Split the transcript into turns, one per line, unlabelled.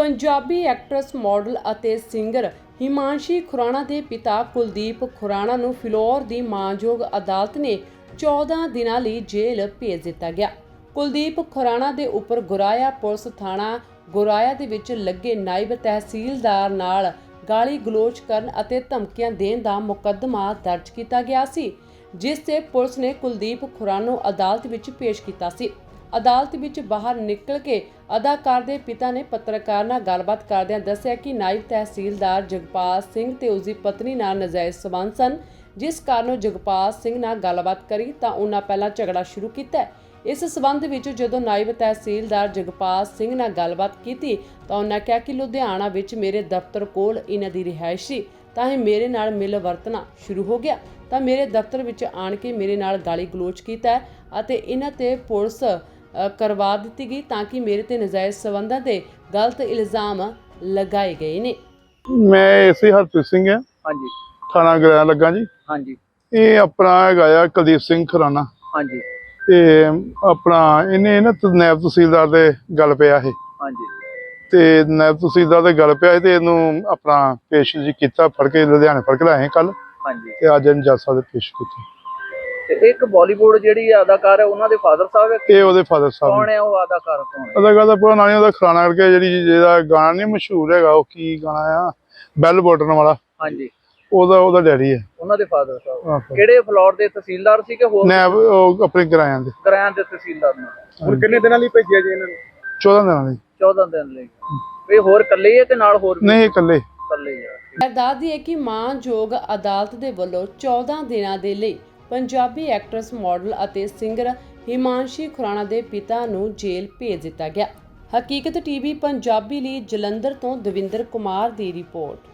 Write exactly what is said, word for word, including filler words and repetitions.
Punjabi actors ਮॉडल ਅਤੇ singer Himanshi Khurana ਦੇ ਪਿਤਾ ਕੁਲਦੀਪ ਖੁਰਾਣਾ ਨੂੰ ਫਿਲੌਰ ਦੀ ਮਾਣਯੋਗ ਅਦਾਲਤ ਨੇ ਚੌਦਾਂ ਦਿਨਾਂ ਲਈ ਜੇਲ੍ਹ ਭੇਜ ਦਿੱਤਾ ਗਿਆ। ਕੁਲਦੀਪ ਖੁਰਾਣਾ ਦੇ ਉੱਪਰ ਗੁਰਾਇਆ ਪੁਲਿਸ ਥਾਣਾ ਗੁਰਾਇਆ ਦੇ ਵਿੱਚ ਲੱਗੇ ਨਾਇਬ ਤਹਿਸੀਲਦਾਰ ਨਾਲ ਗਾਲੀ ਗਲੋਚ ਕਰਨ ਅਤੇ ਧਮਕੀਆਂ ਦੇਣ ਦਾ ਮੁਕੱਦਮਾ ਦਰਜ ਕੀਤਾ ਗਿਆ ਸੀ, ਜਿਸ ਤੇ ਪੁਲਿਸ ਨੇ ਕੁਲਦੀਪ ਖੁਰਾਣਾ ਨੂੰ ਅਦਾਲਤ ਵਿੱਚ ਪੇਸ਼ ਕੀਤਾ ਸੀ। ਅਦਾਲਤ ਵਿੱਚ ਬਾਹਰ ਨਿਕਲ ਕੇ ਅਦਾਕਾਰ ਦੇ ਪਿਤਾ ਨੇ ਪੱਤਰਕਾਰ ਨਾਲ ਗੱਲਬਾਤ ਕਰਦਿਆਂ ਦੱਸਿਆ ਕਿ ਨਾਇਬ ਤਹਿਸੀਲਦਾਰ ਜਗਪਾਲ ਸਿੰਘ ਤੇ ਉਸ ਦੀ ਪਤਨੀ ਨਾਲ ਨਾਜਾਇਜ਼ ਸਬੰਧ ਸਨ, ਜਿਸ ਕਾਰਨ ਜਗਪਾਲ ਸਿੰਘ ਨਾਲ ਗੱਲਬਾਤ ਕਰੀ ਤਾਂ ਉਹਨਾਂ ਪਹਿਲਾਂ ਝਗੜਾ ਸ਼ੁਰੂ ਕੀਤਾ। ਇਸ ਸਬੰਧ ਵਿੱਚ ਜਦੋਂ ਨਾਇਬ ਤਹਿਸੀਲਦਾਰ ਜਗਪਾਲ ਸਿੰਘ ਨਾਲ ਗੱਲਬਾਤ ਕੀਤੀ ਤਾਂ ਉਹਨਾਂ ਕਿਹਾ ਕਿ ਲੁਧਿਆਣਾ ਵਿੱਚ ਮੇਰੇ ਦਫ਼ਤਰ ਕੋਲ ਇਹਨਾਂ ਦੀ ਰਿਹਾਇਸ਼ ਸੀ, ਤਾਂ ਇਹ ਮੇਰੇ ਨਾਲ ਮਿਲ ਵਰਤਣਾ ਸ਼ੁਰੂ ਹੋ ਗਿਆ ਤਾਂ ਮੇਰੇ ਦਫ਼ਤਰ ਵਿੱਚ ਆਣ ਕੇ ਮੇਰੇ ਨਾਲ ਗਾਲੀ ਗਲੋਚ ਕੀਤਾ ਅਤੇ ਇਹਨਾਂ ਤੇ ਪੁਲਿਸ ਕਰਵਾ ਦਿੱਤੀ ਗਈ ਤਾਂ ਕਿ ਮੇਰੇ ਤੇ ਨਜਾਇਜ਼ ਸਬੰਧਾਂ ਤੇ ਗਲਤ ਇਲਜ਼ਾਮ ਲਗਾਏ ਗਏ ਨੇ।
ਮੈਂ ਏਸੀ ਹਰਪ੍ਰੀਤ ਸਿੰਘ ਹਾਂ।
ਹਾਂਜੀ
ਥਾਣਾ ਗ੍ਰਹਿ ਲੱਗਾ ਜੀ।
ਹਾਂਜੀ
ਇਹ ਆਪਣਾ ਹੈਗਾ ਆ ਕੁਲਦੀਪ ਸਿੰਘ ਖੁਰਾਣਾ।
ਹਾਂਜੀ
ਤੇ ਆਪਣਾ ਇਹਨੇ ਨਾ ਨਾਇਬ ਤਹਿਸੀਲਦਾਰ ਦੇ ਗੱਲ ਪਿਆ ਇਹ।
ਹਾਂਜੀ
ਤੇ ਨਾਇਬ ਤਹਿਸੀਲਦਾਰ ਦੇ ਗੱਲ ਪਿਆ ਤੇ ਇਹਨੂੰ ਆਪਣਾ ਪੇਸ਼ ਜੀ ਕੀਤਾ, ਫੜ ਕੇ ਲੁਧਿਆਣੇ ਫੜ ਕੇ ਲਾਏ ਕੱਲ।
ਹਾਂਜੀ
ਤੇ ਅੱਜ ਇਹਨੂੰ ਜੱਜ ਸਾਹਿਬ ਦੇ ਪੇਸ਼ ਕੀਤਾ।
ਤੇ ਇੱਕ ਬਾਲੀਵੁੱਡ ਜਿਹੜੀ ਅਦਾਕਾਰ ਹੈ ਉਹਨਾਂ ਦੇ ਫਾਦਰ ਸਾਹਿਬ ਹੈ।
ਇਹ ਉਹਦੇ ਫਾਦਰ ਸਾਹਿਬ
ਕੌਣ ਹੈ ਉਹ ਅਦਾਕਾਰ? ਕੌਣ ਹੈ
ਅਦਾਕਾਰ ਦਾ ਪੂਰਾ ਨਾਂ ਨਹੀਂ ਉਹਦਾ, ਖੁਰਾਣਾ ਕਰਕੇ ਜਿਹੜੀ ਜਿਹਦਾ ਗਾਣਾ ਨਹੀਂ ਮਸ਼ਹੂਰ ਹੈਗਾ, ਉਹ ਕੀ ਗਾਣਾ ਆ, ਬੈਲ ਬਟਨ ਵਾਲਾ।
ਹਾਂਜੀ
ਉਹਦਾ ਉਹਦਾ ਡੈਡੀ ਹੈ।
ਉਹਨਾਂ ਦੇ ਫਾਦਰ ਸਾਹਿਬ
ਆਹੋ।
ਕਿਹੜੇ ਫਲੋਰ ਦੇ ਤਹਿਸੀਲਦਾਰ ਸੀ ਕਿ ਹੋਰ
ਨਾਇਬ ਉਹ ਆਪਣੇ ਕਿਰਾਇਆਂ ਦੇ
ਕਿਰਾਇਆਂ ਦੇ ਤਹਿਸੀਲਦਾਰ ਨੇ?
ਹੁਣ
ਕਿੰਨੇ ਦਿਨਾਂ ਲਈ ਭੇਜਿਆ ਜੀ ਇਹਨਾਂ ਨੂੰ?
ਚੌਦਾਂ ਦਿਨਾਂ ਲਈ।
ਚੌਦਾਂ ਦਿਨ ਲਈ। ਇਹ ਹੋਰ ਇਕੱਲੇ ਹੀ ਹੈ ਕਿ ਨਾਲ ਹੋਰ ਵੀ?
ਨਹੀਂ, ਇਕੱਲੇ
ਇਕੱਲੇ ਹੀ ਆ।
ਦੱਸਦੀ ਹੈ ਕਿ ਮਾਣਯੋਗ ਅਦਾਲਤ ਦੇ ਵੱਲੋਂ ਚੌਦਾਂ ਦਿਨਾਂ ਦੇ ਲਈ ਪੰਜਾਬੀ ਐਕਟਰਸ ਮॉडल ਅਤੇ ਸਿੰਗਰ ਹਿਮਾਂਸ਼ੀ ਖੁਰਾਣਾ ਦੇ ਪਿਤਾ ਨੂੰ ਜੇਲ੍ਹ ਭੇਜ ਦਿੱਤਾ ਗਿਆ। ਹਕੀਕਤ ਟੀਵੀ ਪੰਜਾਬੀ ਲਈ ਜਲੰਧਰ ਤੋਂ ਦਵਿੰਦਰ ਕੁਮਾਰ ਦੀ ਰਿਪੋਰਟ।